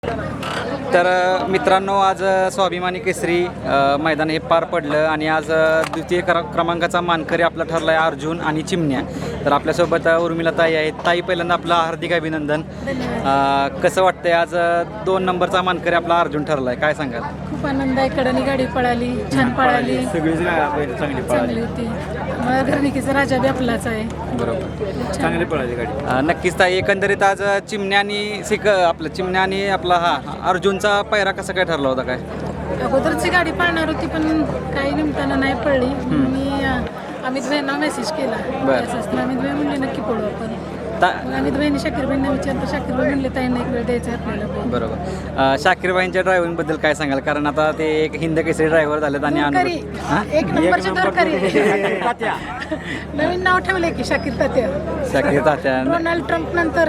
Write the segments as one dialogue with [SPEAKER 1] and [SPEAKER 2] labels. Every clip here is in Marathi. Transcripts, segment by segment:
[SPEAKER 1] तर मित्रांनो, आज स्वाभिमानी केसरी मैदान हे पार पडलं आणि आज द्वितीय क्रमांकाचा मानकरी आपला ठरला आहे अर्जुन आणि चिमण्या. तर आपल्यासोबत उर्मिला ताई आहेत. ताई, पहिल्यांदा आपलं हार्दिक अभिनंदन. कसं वाटतंय आज 2 नंबरचा मानकरी आपला अर्जुन ठरला आहे, काय सांगाल?
[SPEAKER 2] खूप आनंद आहे. कडनी गाडी पळाली, छान पळाली,
[SPEAKER 1] चांगली
[SPEAKER 2] होती. घरणिकीचा राजा बी आपलाच आहे.
[SPEAKER 1] बरोबर, चांगली पळाली गाडी. नक्कीच ताई, एकंदरीत आज चिमण्या आणि आपला अर्जुनचा पैरा कसा काय ठरला होता? काय
[SPEAKER 2] अगोदरची गाडी पळणार होती पण काही निमताना नाही पडली. मी अमित भाईंना मेसेज केला. अमित भाई म्हणले नक्की पळू आपण. अमित भाईंनी शाकीर भाईंना विचारलं. शाकीर भाई म्हणले ताईंना एक वेळ द्यायचं आपल्याला.
[SPEAKER 1] बरोबर. शाकीर भाईंच्या ड्रायव्हिंग बद्दल काय सांगाल? कारण आता ते एक हिंद केसरी ड्रायव्हर झालेत आणि
[SPEAKER 2] एक नंबरचे दरकारी नवीन नाव ठेवले की शाकीर तात्या. डोनाल्ड ट्रम्प नंतर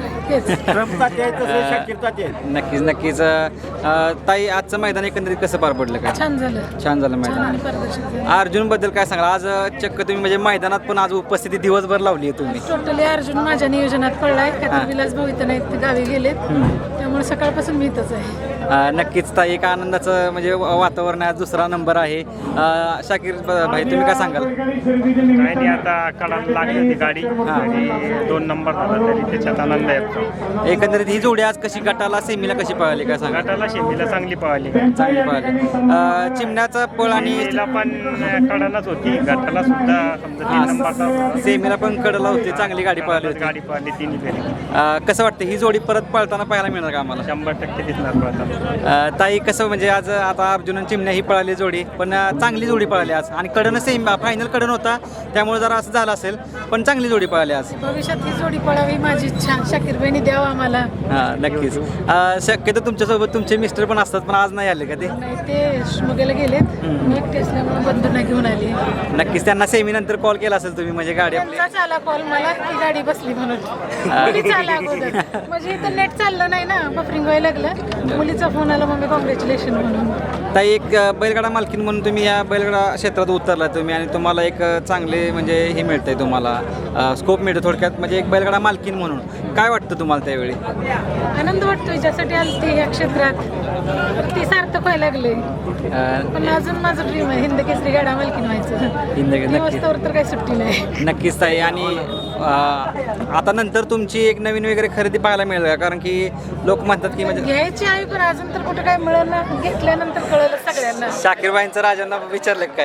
[SPEAKER 1] नक्कीच. ताई, आजचं मैदान एकंदरीत कसं पार पडलं? काय छान झालं मैदान. अर्जुन बद्दल काय सांगाल? आज चक्क तुम्ही म्हणजे मैदानात पण आज उपस्थिती दिवसभर लावली आहे तुम्ही.
[SPEAKER 2] टोटली अर्जुन माझ्या नियोजनात पडलाय. विलास भाऊ इथं नाहीत, गावी गेलेत, त्यामुळे सकाळपासून मी इथंच आहे.
[SPEAKER 1] नक्कीच ताई, एक आनंदाचं म्हणजे वातावरण आहे. दुसरा नंबर आहे. शाकीर भाई, तुम्ही काय सांगाल?
[SPEAKER 3] काय नाही, आता कळायला लागली होती गाडी आणि 2 नंबर झाला तरी त्याच्यात आनंद आहे.
[SPEAKER 1] एकंदरीत ही जोडी आज कशी गटाला सेमीला कशी पळाली, काय सांगा?
[SPEAKER 3] गटाला शेमीला चांगली पळाली.
[SPEAKER 1] चिमण्याचा पळ आणि
[SPEAKER 3] पण कडालाच होती. गटाला सुद्धा समजा 3 नंबरचा,
[SPEAKER 1] सेमीला पण कडला होती. चांगली गाडी पळाली होती.
[SPEAKER 3] गाडी पळाली तिन्ही फेरी.
[SPEAKER 1] कसं वाटतं ही जोडी परत पळताना पाहायला मिळणार का आम्हाला?
[SPEAKER 3] 100% दिसणार पळताना.
[SPEAKER 1] ताई, कसं म्हणजे आज आता अर्जुन आणि चिमण्या ही पळाली जोडी, पण चांगली जोडी पळाली आज आणि कडन फायनल कडन होता, त्यामुळे जरा असं झालं असेल, पण चांगली जोडी पळाली आज.
[SPEAKER 2] भविष्यात ही जोडी पळावी माझी इच्छा. शाकीर भाईंनी द्यावा आम्हाला.
[SPEAKER 1] नक्कीच. शक्यतो तुमच्यासोबत तुमचे मिस्टर पण असतात, पण आज नाही आले का ते?
[SPEAKER 2] नाही, ते शिमोग्याला गेलेत. मी एकटे असल्यामुळे बंधूंना घेऊन आली.
[SPEAKER 1] नक्कीच. त्यांना सेमी नंतर कॉल केला असेल तुम्ही, म्हणजे गाडी आपली
[SPEAKER 2] आला कॉल मला की गाडी बसली म्हणून. मुलीचा आला अगोदर, म्हणजे इथं नेट चाललं नाही ना, बफरिंग व्हायला लागलं. मुलीचा फोन आला, मम्मी कॉंग्रॅच्युलेशन म्हणून.
[SPEAKER 1] ताई, एक बैलगाडा मालकीन म्हणून तुम्ही या बैलगाडा क्षेत्रात उतरला तुम्ही आणि तुम्हाला एक चांगले म्हणजे हे मिळतंय, तुम्हाला स्कोप मिळतो थोडक्यात, म्हणजे एक बैलगाडा मालकीन म्हणून काय वाटतं तुम्हाला त्यावेळी?
[SPEAKER 2] आनंद वाटतोय. ज्यासाठी आली ती या क्षेत्रात ती सार्थक व्हायला लागले. पण अजून माझं ड्रीम आहे हिंद केसरी गाडा मालकीन व्हायचं. वस्तूवर तर काही सुट्टी नाही.
[SPEAKER 1] नक्कीच ताई. आणि आता नंतर तुमची एक नवीन वगैरे खरेदी पाहायला मिळेल का? कारण की लोक म्हणतात की म्हणजे
[SPEAKER 2] घ्यायची आहे, पण अजून तर कुठं काय मिळेल ना. घेतल्यानंतर कळलं सगळ्यांना.
[SPEAKER 1] शाकीरबाईंचं राजांना विचारलं काय?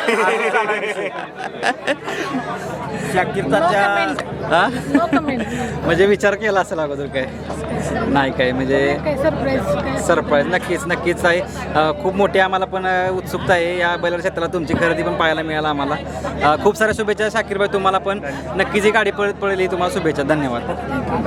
[SPEAKER 2] No comment.
[SPEAKER 1] म्हणजे विचार केला असेल अगोदर? काय नाही, काय म्हणजे सरप्राईज. नक्कीच आहे. खूप मोठी आम्हाला पण उत्सुकता आहे या बैलगाडा क्षेत्राला. तुमची खरेदी पण पाहायला मिळालं आम्हाला. खूप साऱ्या शुभेच्छा शाकीरबाई तुम्हाला पण. नक्कीच ही गाडी पळेल तुम्हाला शुभेच्छा. धन्यवाद.